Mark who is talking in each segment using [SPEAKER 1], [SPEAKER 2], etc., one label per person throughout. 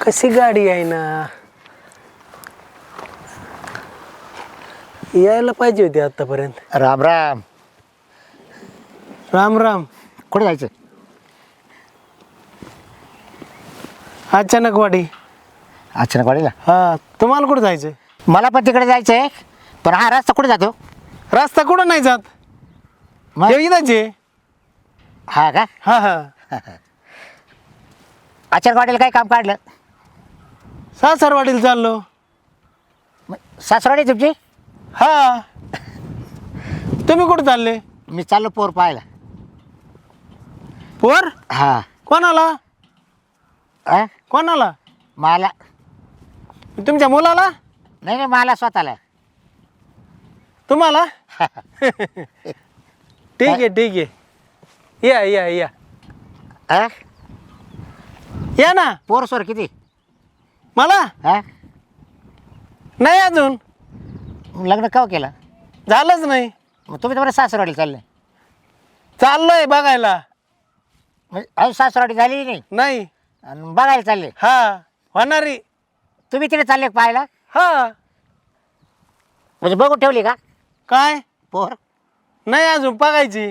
[SPEAKER 1] कशी गाडी आहे ना, यायला पाहिजे होती आतापर्यंत.
[SPEAKER 2] राम राम.
[SPEAKER 1] राम राम.
[SPEAKER 2] कुठे जायचं?
[SPEAKER 1] अचानक वाडी.
[SPEAKER 2] अचानक वाडीला?
[SPEAKER 1] हा, तुम्हाला कुठं जायचं?
[SPEAKER 2] मला पण तिकडे जायचं आहे, पण हा रस्ता कुठे जातो?
[SPEAKER 1] रस्ता कुठं नाही जात,
[SPEAKER 2] मग?
[SPEAKER 1] इथंच आहे.
[SPEAKER 2] हा का?
[SPEAKER 1] हा हा.
[SPEAKER 2] अचानक वाडीला काय काम काढलं?
[SPEAKER 1] सासरवाडीला चाललो.
[SPEAKER 2] सासरवाडी तुमची?
[SPEAKER 1] हा. तुम्ही कुठं चालले?
[SPEAKER 2] मी चाललो पोर पाहायला.
[SPEAKER 1] पोर?
[SPEAKER 2] हा.
[SPEAKER 1] कोणाला?
[SPEAKER 2] अ?
[SPEAKER 1] कोणाला?
[SPEAKER 2] मला
[SPEAKER 1] तुमच्या मुलाला?
[SPEAKER 2] नाही नाही, मला स्वतःला.
[SPEAKER 1] तुम्हाला? ठीक आहे ठीक आहे, या या या
[SPEAKER 2] अ?
[SPEAKER 1] या ना.
[SPEAKER 2] पोर सोर किती?
[SPEAKER 1] मला
[SPEAKER 2] हा?
[SPEAKER 1] नाही अजून
[SPEAKER 2] लग्न केव्हा केलं?
[SPEAKER 1] झालंच नाही.
[SPEAKER 2] मग तुम्ही तर बरं सासरवाडीला चालले.
[SPEAKER 1] चाललोय बघायला.
[SPEAKER 2] म्हणजे अजून सासरवाडी झाली नाही
[SPEAKER 1] नाही.
[SPEAKER 2] आणि बघायला चालले?
[SPEAKER 1] हा, होणारी.
[SPEAKER 2] तुम्ही तिथे चालले पाहायला?
[SPEAKER 1] हा.
[SPEAKER 2] म्हणजे बघून ठेवली का
[SPEAKER 1] काय?
[SPEAKER 2] पोर?
[SPEAKER 1] नाही अजून बघायची.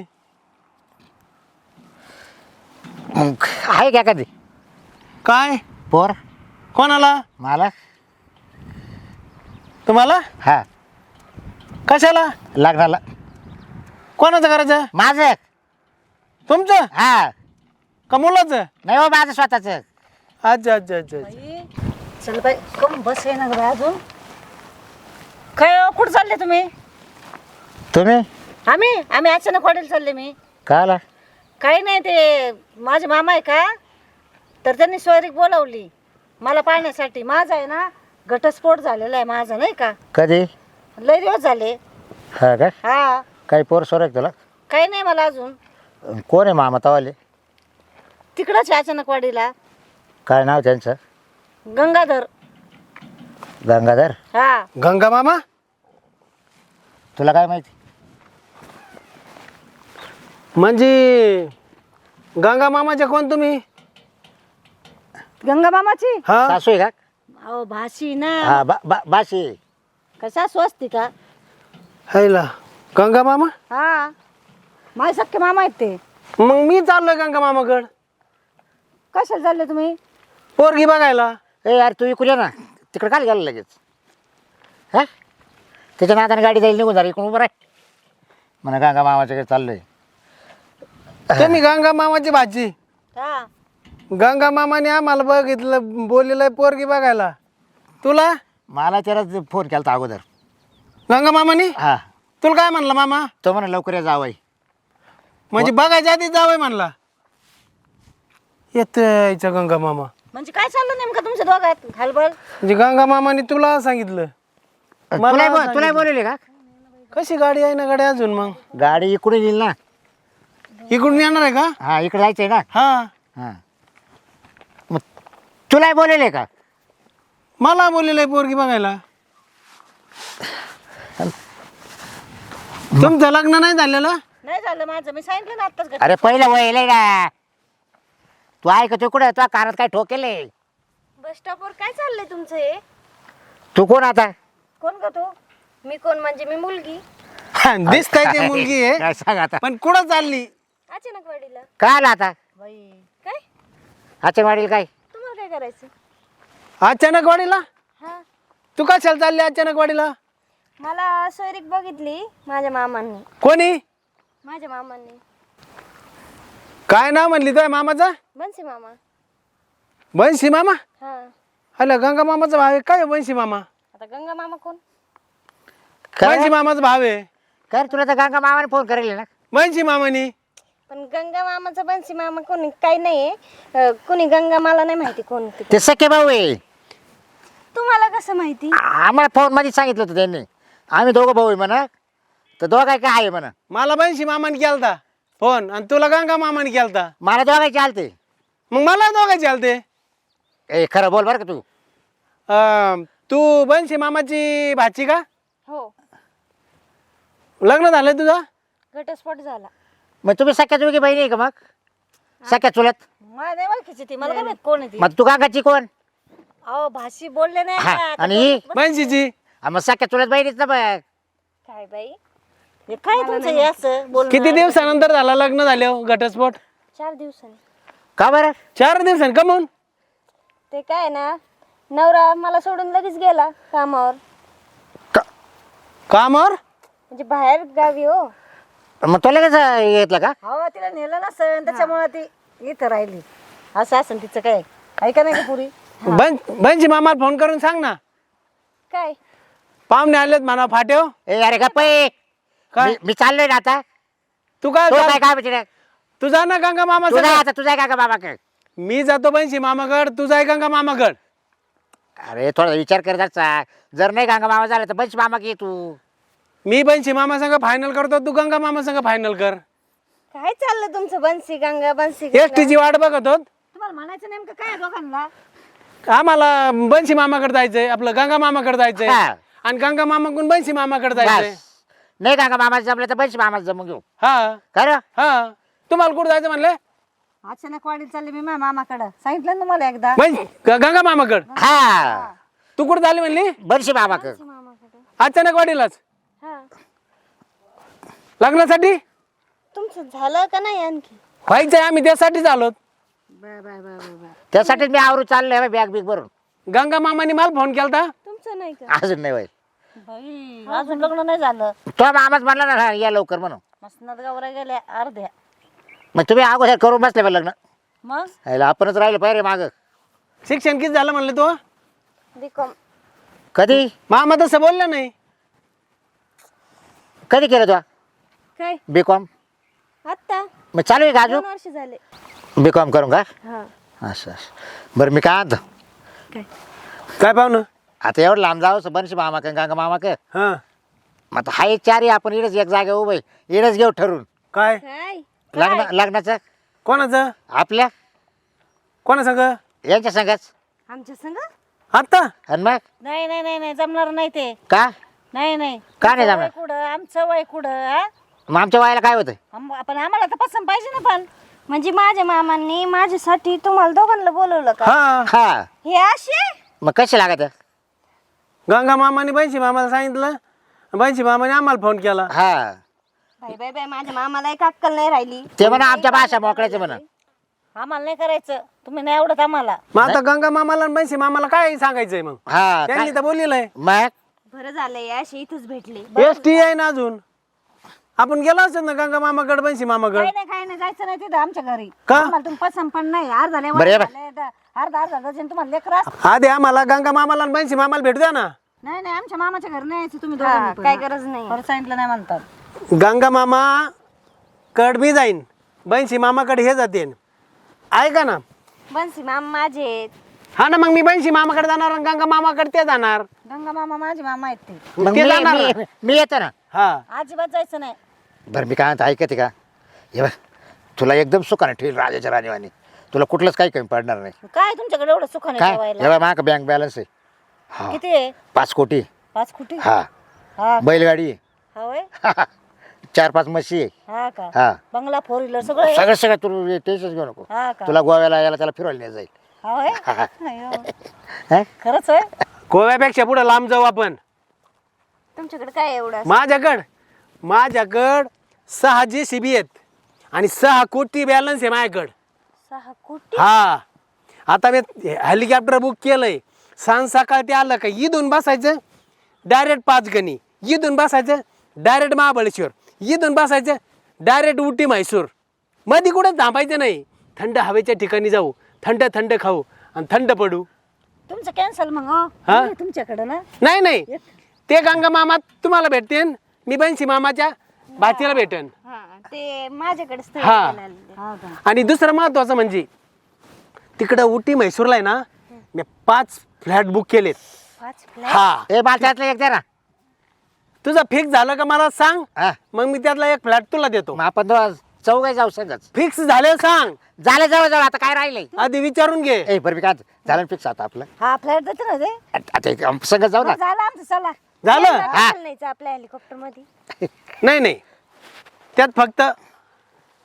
[SPEAKER 2] मग आहे का कधी
[SPEAKER 1] काय?
[SPEAKER 2] पोर?
[SPEAKER 1] कोणाला?
[SPEAKER 2] मला.
[SPEAKER 1] तुम्हाला?
[SPEAKER 2] हा.
[SPEAKER 1] कशाला?
[SPEAKER 2] लग्नाला.
[SPEAKER 1] कोणाचं करायचं?
[SPEAKER 2] माझं.
[SPEAKER 1] तुमचं
[SPEAKER 2] हा.
[SPEAKER 1] का मुलाचं?
[SPEAKER 2] नाही हो, माझं स्वतःच.
[SPEAKER 1] अच्छा अच्छा अच्छा अच्छा.
[SPEAKER 3] बाई, चल बाई, कम बस आहे ना गं बाई अजून. काय हो, कुठं चालले तुम्ही?
[SPEAKER 2] तुम्ही
[SPEAKER 3] आम्ही अचानक वाटेल चालले. मी
[SPEAKER 2] का आला?
[SPEAKER 3] काही नाही, ते माझे मामा आहे का, तर त्यांनी सोयरीक बोलावली मला पाहण्यासाठी. माझा आहे ना घटस्फोट झालेला आहे माझा, नाही का,
[SPEAKER 2] कधी?
[SPEAKER 3] लय दिवस झाले.
[SPEAKER 2] हा का?
[SPEAKER 3] हा.
[SPEAKER 2] काही पोर सोर आहे तुला?
[SPEAKER 3] काही नाही मला अजून.
[SPEAKER 2] कोण आहे मामा तवाले?
[SPEAKER 3] तिकडंच आहे अचानक वाडीला.
[SPEAKER 2] काय नाव त्यांचं?
[SPEAKER 3] गंगाधर.
[SPEAKER 2] गंगाधर?
[SPEAKER 3] हा.
[SPEAKER 1] गंगा मामा?
[SPEAKER 2] तुला काय माहिती?
[SPEAKER 1] म्हणजे गंगा मामाचे कोण तुम्ही?
[SPEAKER 3] गंगा मामाची?
[SPEAKER 1] हा.
[SPEAKER 2] सासू आहे का?
[SPEAKER 3] अहो भाशी ना.
[SPEAKER 2] हा, बाशी.
[SPEAKER 3] कशा स्वस्ती का?
[SPEAKER 1] हायला गंगा मामा?
[SPEAKER 3] हा, माझे सख्खे मामा आहेत ते.
[SPEAKER 1] मग मी चाललोय गंगा मामाकड.
[SPEAKER 3] कशाला चालले तुम्ही?
[SPEAKER 1] पोरगी बघायला.
[SPEAKER 2] ए यार, तू इकडे ये ना. तिकडे काय गेलं लगेच? हा, त्याच्या नादाने गाडी जाईल निघून झाली. इकडून उभं राह म्हणा, गंगा मामाच्याकडे चाललोय.
[SPEAKER 1] तुम्ही गंगा मामाची भाची?
[SPEAKER 3] हा.
[SPEAKER 1] गंगा मामाने आम्हाला बघितलं, बोललेलं पोरगी बघायला. तुला?
[SPEAKER 2] मला त्यालाच फोन केला अगोदर.
[SPEAKER 1] गंगा मामाने?
[SPEAKER 2] हा.
[SPEAKER 1] तुला काय म्हणला मामा?
[SPEAKER 2] तो म्हणा लवकर या जावई.
[SPEAKER 1] म्हणजे बघायच्या आधी जावंय म्हणला. येतोय गंगा मामा.
[SPEAKER 3] म्हणजे काय चाललं नेमकं तुमच्या दोघात हलबल?
[SPEAKER 1] म्हणजे गंगा मामाने तुला सांगितलं?
[SPEAKER 2] तुला बोलवले का?
[SPEAKER 1] कशी गाडी आहे ना गाडी अजून? मग
[SPEAKER 2] गाडी इकडून येईल ना.
[SPEAKER 1] इकडून येणार आहे का?
[SPEAKER 2] हा, इकडे जायचंय ना.
[SPEAKER 1] हा.
[SPEAKER 2] हा, मग तुला बोलवले का?
[SPEAKER 1] मला बोललेलं आहे पोरगी बघायला. तुमचं लग्न नाही झालेलं?
[SPEAKER 3] नाही झालं माझं, मी सांगितलं ना आत्ताच.
[SPEAKER 2] अरे पहिलं वय का? तू ऐकतो कुठं? तुझ्या कानात काय ठोकेले?
[SPEAKER 4] बस स्टॉपवर काय चाललंय तुमचं हे?
[SPEAKER 2] तू कोण आता?
[SPEAKER 4] कोण का तू? मी कोण म्हणजे मी मुलगी.
[SPEAKER 1] दिसताय ती मुलगी आहे,
[SPEAKER 2] काय सांग आता?
[SPEAKER 1] पण कुठं चालली?
[SPEAKER 4] अचानक वाडीला.
[SPEAKER 2] काय आला आता?
[SPEAKER 3] बाई,
[SPEAKER 4] काय?
[SPEAKER 2] अच्छा वाढील काय?
[SPEAKER 4] तुम्हाला काय करायचं?
[SPEAKER 1] अचानक वाडीला?
[SPEAKER 4] हा,
[SPEAKER 1] तू कशाला चालली अचानक वाडीला?
[SPEAKER 4] मला सोयरीक बघितली माझ्या मामांनी.
[SPEAKER 1] कोणी?
[SPEAKER 4] माझ्या मामांनी.
[SPEAKER 1] काय नाव म्हणली तुझ्या मामाचा?
[SPEAKER 4] बनसी मामा.
[SPEAKER 1] बंशी मामा?
[SPEAKER 4] हा.
[SPEAKER 1] हॅलो, गंगा मामाचा भाव आहे काय बंशी मामा?
[SPEAKER 4] आता गंगा मामा कोण?
[SPEAKER 1] बंशी मामाचा भाव आहे.
[SPEAKER 2] काय रे, तुला तर गंगा मामाने फोन करेल ना?
[SPEAKER 1] बंशी मामानी.
[SPEAKER 4] पण गंगा मामाचा बनसी मामा कोणी काही नाहीये. कोणी गंगा मला नाही माहिती कोण ते.
[SPEAKER 2] ते सख्खे भाऊ आहे.
[SPEAKER 4] तुम्हाला कसं माहिती?
[SPEAKER 2] आम्हाला फोन मध्ये सांगितलं होतं त्यांनी. आम्ही दोघं भाऊ आहे म्हणा. तर दोघाय काय आहे म्हणा.
[SPEAKER 1] मला बंशी मामाने केलता फोन आणि तुला गंगा मामाने केलता.
[SPEAKER 2] मला दोघाय चालते.
[SPEAKER 1] मग मला दोघं चालते.
[SPEAKER 2] ए खरं बोल बरं का तू.
[SPEAKER 1] तू बंशी मामाची भाची का?
[SPEAKER 4] हो,
[SPEAKER 1] लग्न झालंय तुझं?
[SPEAKER 4] घटस्फोट झाला.
[SPEAKER 2] मग तुम्ही सख्या दोघी बहिणी आहे का? मग सख्या चुलत?
[SPEAKER 3] मला नाही ओळखीची ती. मला काय माहित कोण आहे ती.
[SPEAKER 2] मग तू काकाची कोण?
[SPEAKER 3] अहो भाषी बोलले नाही
[SPEAKER 2] हा,
[SPEAKER 3] का?
[SPEAKER 2] आणि ही?
[SPEAKER 1] बंशीची
[SPEAKER 2] हा, मग सख्या चुलत बहिणीच ना बघ.
[SPEAKER 4] काय बाई
[SPEAKER 3] हे काय तुमचं हे असं बोलणं?
[SPEAKER 1] किती दिवसानंतर झाला लग्न झाले घटस्फोट?
[SPEAKER 4] 4 दिवसांनी.
[SPEAKER 2] का बरं?
[SPEAKER 1] 4 दिवसांनी कमून?
[SPEAKER 4] ते काय ना, नवरा मला सोडून लगेच गेला कामावर,
[SPEAKER 1] कामावर?
[SPEAKER 4] म्हणजे बाहेर गावी हो.
[SPEAKER 2] मग तो लगेच घेतलं का?
[SPEAKER 3] हो तिला नेलं नसेल त्याच्यामुळे ती इथं राहिली. असं असेल तिचं काय ऐका नाही का पुरी?
[SPEAKER 1] बंशी मामाला फोन करून सांग ना,
[SPEAKER 4] काय
[SPEAKER 1] पाहुणे आलेत म्हणा फाट्यो.
[SPEAKER 2] ए अरे गप्प आहे.
[SPEAKER 1] काय?
[SPEAKER 2] मी चाललोय ना आता.
[SPEAKER 1] तू काय
[SPEAKER 2] तो काय काय म्हणजे
[SPEAKER 1] तू जा ना गंगा मामा
[SPEAKER 2] तुझा
[SPEAKER 1] संग.
[SPEAKER 2] आता तुझा काय का बाबा काय?
[SPEAKER 1] मी जातो बंशी मामाकड, तू जाय गंगा मामाकड.
[SPEAKER 2] अरे थोडा विचार कर जरा. जर नाही गांगा मामा झाला तर बंच मामा की तू.
[SPEAKER 1] मी बंशी मामा संग फायनल करतो, तू गंगा मामा संग फायनल कर.
[SPEAKER 4] काय चाललं तुमचं? बन्सी गंगा बन्सी
[SPEAKER 1] एसटीची वाट बघत होत.
[SPEAKER 3] तुम्हाला म्हणायचं नेमकं काय आहे दोघांना?
[SPEAKER 1] आम्हाला बंशी मामाकडे जायचंय, आपलं गंगा मामाकडे जायचंय,
[SPEAKER 2] हा.
[SPEAKER 1] आणि गंगा मामाकडून बंशी मामाकडे जायचंय.
[SPEAKER 2] बस. नाही गांगा मामा जमलं तर बंच मामा जमून घेऊ.
[SPEAKER 1] हा
[SPEAKER 2] खरं?
[SPEAKER 1] हा. तुम्हाला कुठं जायचं म्हणले?
[SPEAKER 3] अचानक वाडीत चालली मी माझ्या मामाकडं. सांगितलं ना तुम्हाला एकदा.
[SPEAKER 1] गंगा मामाकड.
[SPEAKER 2] हा
[SPEAKER 1] तू कुठं झाली म्हणली?
[SPEAKER 2] बंशी मामा कर.
[SPEAKER 1] अचानक वाढीलाच
[SPEAKER 4] हा.
[SPEAKER 1] लग्नासाठी
[SPEAKER 4] तुमचं झालं का नाही आणखी?
[SPEAKER 1] व्हायचंय, आम्ही त्यासाठीच आलो.
[SPEAKER 2] त्यासाठीच मी आवरू चाललोय बॅग बिग भरून.
[SPEAKER 1] गंगा मामाने मला फोन केलता.
[SPEAKER 4] तुमचं नाही का?
[SPEAKER 2] अजून नाही व्हायचं.
[SPEAKER 3] बाई अजून लग्न नाही झालं.
[SPEAKER 2] तो मामाच म्हणला ना या लवकर म्हणून.
[SPEAKER 3] मसनात गावरा गेल्या अर्ध्या.
[SPEAKER 2] मग तुम्ही अगोदर करून बसले बा लग्न.
[SPEAKER 3] मग
[SPEAKER 2] ह्याला आपणच राहिलो पाहिजे माग.
[SPEAKER 1] शिक्षण किती झालं म्हणले तू?
[SPEAKER 4] बीकॉम.
[SPEAKER 2] कधी
[SPEAKER 1] मामा तसं बोलला नाही.
[SPEAKER 2] कधी केलं तू
[SPEAKER 4] काय
[SPEAKER 2] बीकॉम?
[SPEAKER 4] आत्ता
[SPEAKER 2] मग चालू आहे का
[SPEAKER 4] 2
[SPEAKER 2] अजून?
[SPEAKER 4] वर्ष झाले.
[SPEAKER 2] बीकॉम करून का?
[SPEAKER 4] हा.
[SPEAKER 2] असं असं. बरं मी काय आणतो
[SPEAKER 4] काय
[SPEAKER 1] काय पाहुणं?
[SPEAKER 2] आता एवढं लांब जावं बनशी मामा का गांगा मामा का.
[SPEAKER 1] हा
[SPEAKER 2] मग आता हा एक 4 आपण इडच एक जागा उभं इडच घेऊ ठरून.
[SPEAKER 1] काय
[SPEAKER 4] काय
[SPEAKER 2] लग्नाचं
[SPEAKER 1] कोणाचं?
[SPEAKER 2] आपल्या
[SPEAKER 1] कोणा संग?
[SPEAKER 2] यांच्या संघाच.
[SPEAKER 4] आमच्या संग?
[SPEAKER 1] आता
[SPEAKER 2] आणि मग
[SPEAKER 3] नाही नाही नाही नाही जमणार नाही ते.
[SPEAKER 2] का
[SPEAKER 3] नाही नाही.
[SPEAKER 2] का नाही
[SPEAKER 3] तुमचं
[SPEAKER 2] जमणार?
[SPEAKER 3] वय कुठं आमचं वय कुठं हा?
[SPEAKER 2] मग आमच्या वयाला काय होतं?
[SPEAKER 3] पण आम्हाला तर पसंत पाहिजे ना पण.
[SPEAKER 4] म्हणजे माझ्या मामांनी माझ्यासाठी तुम्हाला दोघांना बोलवलं का?
[SPEAKER 1] हा
[SPEAKER 2] हा
[SPEAKER 4] हे असे
[SPEAKER 2] मग कसे लागत?
[SPEAKER 1] गंगा मामाने बंशी मामाला सांगितलं, बंशी मामाने आम्हाला फोन केला.
[SPEAKER 2] हा
[SPEAKER 4] बाई बाई बाई, माझ्या मामाला एक अक्कल नाही राहिली.
[SPEAKER 2] ते म्हणा आमच्या भाषा मोकळ्याचं म्हणा.
[SPEAKER 3] आम्हाला नाही करायचं. तुम्ही नाही आवडत आम्हाला.
[SPEAKER 1] मग आता गंगा मामाला आणि बंशी मामाला काय सांगायचंय मग?
[SPEAKER 2] हा
[SPEAKER 1] त्यांनी
[SPEAKER 2] काय?
[SPEAKER 1] तर बोललेलं आहे.
[SPEAKER 2] मग
[SPEAKER 4] बरं झालंय असे इथंच भेटले.
[SPEAKER 1] एसटी आहे ना अजून. आपण गेलो असत ना गंगा मामाकड बंशी मामाकड.
[SPEAKER 3] काही नाही जायचं नाही तिथं आमच्या घरी.
[SPEAKER 1] का?
[SPEAKER 3] आम्हाला तुम्ही पसंत पण नाही. अर्धा लय
[SPEAKER 2] बरं, ये बाय.
[SPEAKER 3] अर्धा डझन तुम्हाला लेकर असतं.
[SPEAKER 1] आधी आम्हाला गंगा मामाला आणि बंशी मामाला भेटू द्या ना.
[SPEAKER 3] नाही नाही आमच्या मामाच्या घरी नाही यायचं तुम्ही
[SPEAKER 4] हा,
[SPEAKER 3] दोघांनी पण.
[SPEAKER 4] काय गरज नाही.
[SPEAKER 3] परत सांगितलं नाही म्हणतात.
[SPEAKER 1] गंगा मामा कड मी जाईन, बंशी मामाकडे हे जाते. ऐका ना.
[SPEAKER 4] बन्सी मामा माझे आहेत.
[SPEAKER 1] हा ना, मग मी बंशी मामाकडे जाणार आणि गंगा मामाकडे ते जाणार.
[SPEAKER 3] गंगा मामा माझे मामा आहेत ते.
[SPEAKER 2] मग
[SPEAKER 1] ते जाणार ना.
[SPEAKER 2] मी येतो ना.
[SPEAKER 1] हा
[SPEAKER 3] अजिबात जायचं नाही.
[SPEAKER 2] बरं मी काय म्हणतो ऐकते का? हे बघ तुला एकदम सुखाने ठेवील राजाच्या राणीवाणी. तुला कुठलंच काही कमी पडणार नाही.
[SPEAKER 3] काय तुमच्याकडे एवढं सुखाने
[SPEAKER 2] काय
[SPEAKER 3] ठेवायला?
[SPEAKER 2] हे बघ माझा बँक बॅलन्स आहे. हा
[SPEAKER 3] किती आहे?
[SPEAKER 2] 5 कोटी.
[SPEAKER 3] 5 कोटी?
[SPEAKER 2] हा
[SPEAKER 3] हा
[SPEAKER 2] बैलगाडी आहे.
[SPEAKER 3] हा होय?
[SPEAKER 2] 4-5 म्हशी आहे.
[SPEAKER 3] हा का?
[SPEAKER 2] हा
[SPEAKER 3] बंगला 4 व्हीलर सगळं आहे?
[SPEAKER 2] सगळं सगळं तू टेन्शन घेऊ नको.
[SPEAKER 3] हा का?
[SPEAKER 2] तुला गोव्याला यायला त्याला फिरवायला नाही जाईल.
[SPEAKER 3] हा होय? अय्यो.
[SPEAKER 2] हा?
[SPEAKER 3] खरंच होय?
[SPEAKER 1] गोव्यापेक्षा पुढे लांब जाऊ आपण.
[SPEAKER 4] तुमच्याकडे काय एवढं?
[SPEAKER 1] माझ्याकड 6 JCB आहेत आणि 6 कोटी बॅलन्स आहे माझ्याकडं.
[SPEAKER 4] 6 कोटी?
[SPEAKER 1] हा आता मी हेलिकॉप्टर बुक केलंय. सांज सकाळ ते आलं का इथून बसायचं डायरेक्ट 5 गणी, इथून बसायचं डायरेक्ट महाबळेश्वर, इथून बसायचं डायरेक्ट उटी म्हैसूर. मध्ये कुठं थांबायचं नाही. थंड हवेच्या ठिकाणी जाऊ, थंड थंड खाऊ आणि थंड पडू.
[SPEAKER 3] तुमचं कॅन्सल मग हो?
[SPEAKER 1] हा?
[SPEAKER 3] नाही तुमच्याकडे ना.
[SPEAKER 1] नाही ते गंगा मामा तुम्हाला भेटतेन, मी बंशी मामाच्या भाचीला भेटेन.
[SPEAKER 4] हा, ते माझ्याकडे स्थळ
[SPEAKER 1] हा.
[SPEAKER 4] बघायला आलेले.
[SPEAKER 3] हा का?
[SPEAKER 1] आणि दुसरं महत्वाचं म्हणजे तिकडं उटी म्हैसूरला आहे ना, मी 5 फ्लॅट बुक केलेत.
[SPEAKER 4] 5 फ्लॅट?
[SPEAKER 1] हा
[SPEAKER 2] ए मला त्यातलं एक द्या ना.
[SPEAKER 1] तुझं फिक्स झालं का मला सांग,
[SPEAKER 2] हा
[SPEAKER 1] मग मी त्यातला एक फ्लॅट तुला देतो.
[SPEAKER 2] मग आपण चौघे जाऊ संगच.
[SPEAKER 1] फिक्स झाले सांग,
[SPEAKER 2] झालं जवळ जवळ आता काय राहिलंय?
[SPEAKER 1] आधी विचारून घे.
[SPEAKER 2] ए बरं मी काय झालं फिक्स आता आपलं.
[SPEAKER 3] हा फ्लॅट देते ना ते.
[SPEAKER 2] आता संगत जाऊ ना.
[SPEAKER 3] झालं आमचं चला.
[SPEAKER 1] झालं?
[SPEAKER 2] हा.
[SPEAKER 4] नाहीच आपल्या हेलिकॉप्टर मध्ये.
[SPEAKER 1] नाही त्यात फक्त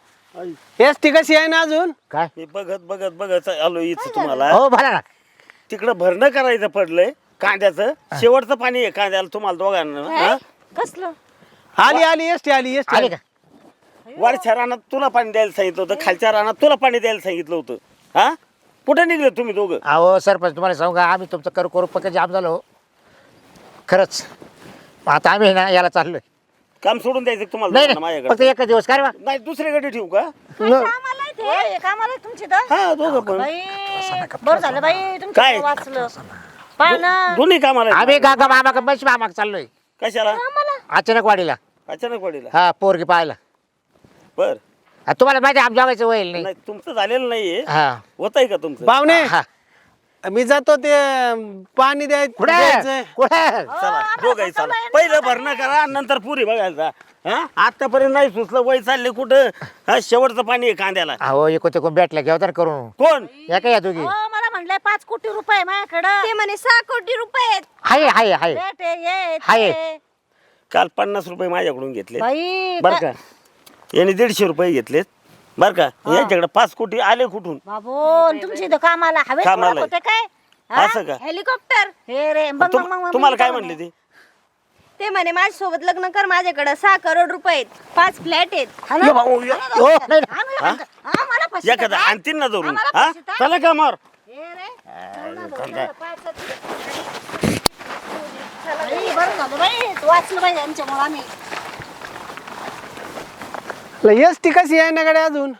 [SPEAKER 1] एसटी कशी आहे ना अजून.
[SPEAKER 2] काय?
[SPEAKER 5] मी बघत आलो इथं तुम्हाला.
[SPEAKER 2] हो बोला ना.
[SPEAKER 5] तिकडं भरणं करायचं पडलंय कांद्याचं, शेवटचं पाणी आहे कांद्याला तुम्हाला दोघांना हा?
[SPEAKER 3] कसलं
[SPEAKER 1] आली आली एसटी आली एसटी
[SPEAKER 2] आली
[SPEAKER 1] आली
[SPEAKER 2] का
[SPEAKER 5] वरच्या रानात तुला पाणी द्यायला सांगितलं होतं, खालच्या रानात तुला पाणी द्यायला सांगितलं होतं. हा कुठे निघले तुम्ही दोघं?
[SPEAKER 2] अहो सरपंच तुम्हाला सांगू का आम्ही तुमचं करू पक्क जाम झालो खरंच. आता आम्ही ना याला चाललोय.
[SPEAKER 5] काम सोडून द्यायचं का तुम्हाला
[SPEAKER 2] नाही
[SPEAKER 5] दोघांना
[SPEAKER 2] नाही फक्त
[SPEAKER 5] माझ्याकडे?
[SPEAKER 2] एकच दिवस काय रे बा?
[SPEAKER 5] नाही दुसरीकडे ठेवू का?
[SPEAKER 3] कामाला आहे ते? कामाला आहे तुमची तर
[SPEAKER 5] हा दोघं पण
[SPEAKER 3] बाई बरं झालं बाई तुमचं
[SPEAKER 5] काय?
[SPEAKER 3] वाचलं पण
[SPEAKER 5] दोन्ही कामाला
[SPEAKER 2] आम्ही
[SPEAKER 5] आहेत.
[SPEAKER 2] गागा मामा बस मामा चाललोय
[SPEAKER 5] कशाला?
[SPEAKER 2] अचानक वाडीला.
[SPEAKER 5] अचानक पडेल.
[SPEAKER 2] हा पोरगी पाहायला.
[SPEAKER 5] बर
[SPEAKER 2] तुम्हाला माहिती आहे, आम जागायचं होईल नाही.
[SPEAKER 5] नाही तुमचं झालेलं नाहीये.
[SPEAKER 2] हा
[SPEAKER 5] होत आहे का तुमचं?
[SPEAKER 1] पाहुणे
[SPEAKER 2] हा
[SPEAKER 1] मी जातो ते पाणी
[SPEAKER 2] कुठे
[SPEAKER 1] द्यायचं
[SPEAKER 2] कुठे
[SPEAKER 5] चला दोघंही चला. पहिलं भरणं करा नंतर पुरी बघायचा. हा आतापर्यंत नाही सुचलं, वय चालले कुठं? हा शेवटचं पाणी आहे कांद्याला.
[SPEAKER 2] अहो एकूण ते भेटलं घेऊ तर करून
[SPEAKER 5] कोण?
[SPEAKER 2] या काय या दोघी
[SPEAKER 3] हो, मला म्हणलंय 5 कोटी रुपये माझ्याकडं
[SPEAKER 4] ते म्हणे 6 कोटी रुपये आहेत.
[SPEAKER 2] हाय हाय हाय
[SPEAKER 3] भेट आहे, ये
[SPEAKER 2] हाय.
[SPEAKER 3] ते.
[SPEAKER 5] काल 50 रुपये माझ्याकडून घेतले
[SPEAKER 3] बाई
[SPEAKER 5] बर का. याने 150 रुपये घेतलेत बर का. यांच्याकडे 5 कोटी आले कुठून?
[SPEAKER 3] बाबू तुमची इथं कामाला हवे
[SPEAKER 5] कामाला
[SPEAKER 3] होते काय हा?
[SPEAKER 5] असं का?
[SPEAKER 4] हेलिकॉप्टर.
[SPEAKER 3] हे रे बघ
[SPEAKER 5] तुम-
[SPEAKER 3] मग मग
[SPEAKER 5] तुम्हाला काय म्हणले ते?
[SPEAKER 4] ते म्हणे माझ्यासोबत लग्न कर, माझ्याकडे 6 करोड रुपये आहेत, 5 फ्लॅट आहेत.
[SPEAKER 2] हो नाही नाही.
[SPEAKER 3] मला फसवता
[SPEAKER 5] एखादा
[SPEAKER 3] काय?
[SPEAKER 5] आणतील ना धरून.
[SPEAKER 3] आम्हाला
[SPEAKER 5] हा
[SPEAKER 3] फसवता?
[SPEAKER 5] चला का मार.
[SPEAKER 3] हे रे, बाई, बरं झालं बाई तू वाचलं बाई यांच्यामुळे आम्ही
[SPEAKER 1] एसटी कशी आहे ना गाडी अजून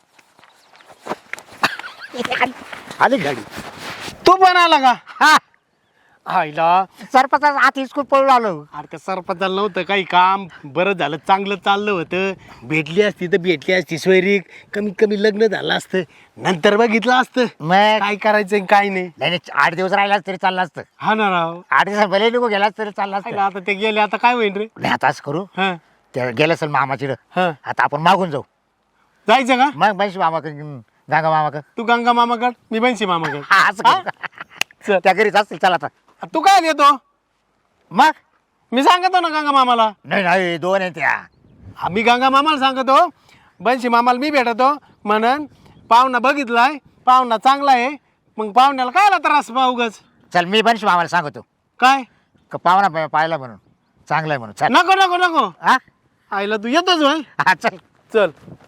[SPEAKER 2] आली गाडी.
[SPEAKER 1] तू पण आला का
[SPEAKER 2] हा
[SPEAKER 1] आईला
[SPEAKER 2] सरपंच आत हिसकून पळून आलो.
[SPEAKER 1] अरे का सरपंचाला नव्हतं काही काम, बरं झालं चांगलं चाललं होतं. भेटली असती तर भेटली असती सोयरीक, कमीत कमी लग्न झालं असतं, नंतर बघितलं असतं
[SPEAKER 2] मग
[SPEAKER 1] काय करायचं आणि काय नाही.
[SPEAKER 2] नाही 8 दिवस राहिलाच तरी चाललं असतं.
[SPEAKER 1] हा ना राव.
[SPEAKER 2] 8 दिवस भले निघू गेलाच तरी चाललं असतं.
[SPEAKER 1] आईला आता ते गेले आता काय होईल रे.
[SPEAKER 2] नाही आता असं करू
[SPEAKER 1] हा
[SPEAKER 2] ते गेलं असेल मामाची
[SPEAKER 1] हा
[SPEAKER 2] आता आपण मागून जाऊ.
[SPEAKER 1] जायचं का?
[SPEAKER 2] मग बनशी मामाकडे गांगा मामाकडे
[SPEAKER 1] तू गंगा मामाकड मी बनशी मामाकड.
[SPEAKER 2] हा असं करू.
[SPEAKER 1] चल.
[SPEAKER 2] त्या घरीच असतील चला आता.
[SPEAKER 1] तू काय देतो?
[SPEAKER 2] मग
[SPEAKER 1] मी सांगतो ना गंगा मामाला.
[SPEAKER 2] नाही नाही 2 आहे त्या.
[SPEAKER 1] मी गंगा मामाला सांगतो, बनशी मामाला मी भेटतो म्हणन पाहुणा बघितलाय, पाहुणा चांगला आहे, मग पाहुण्याला काय त्रास पाहुगच
[SPEAKER 2] चल मी बनशी मामाला सांगतो
[SPEAKER 1] काय.
[SPEAKER 2] का पाहुणा पाहिला म्हणून चांगला आहे म्हणून चल.
[SPEAKER 1] नको नको नको
[SPEAKER 2] हा
[SPEAKER 1] आईला तू येतोच होय.
[SPEAKER 2] हा चल.
[SPEAKER 1] चल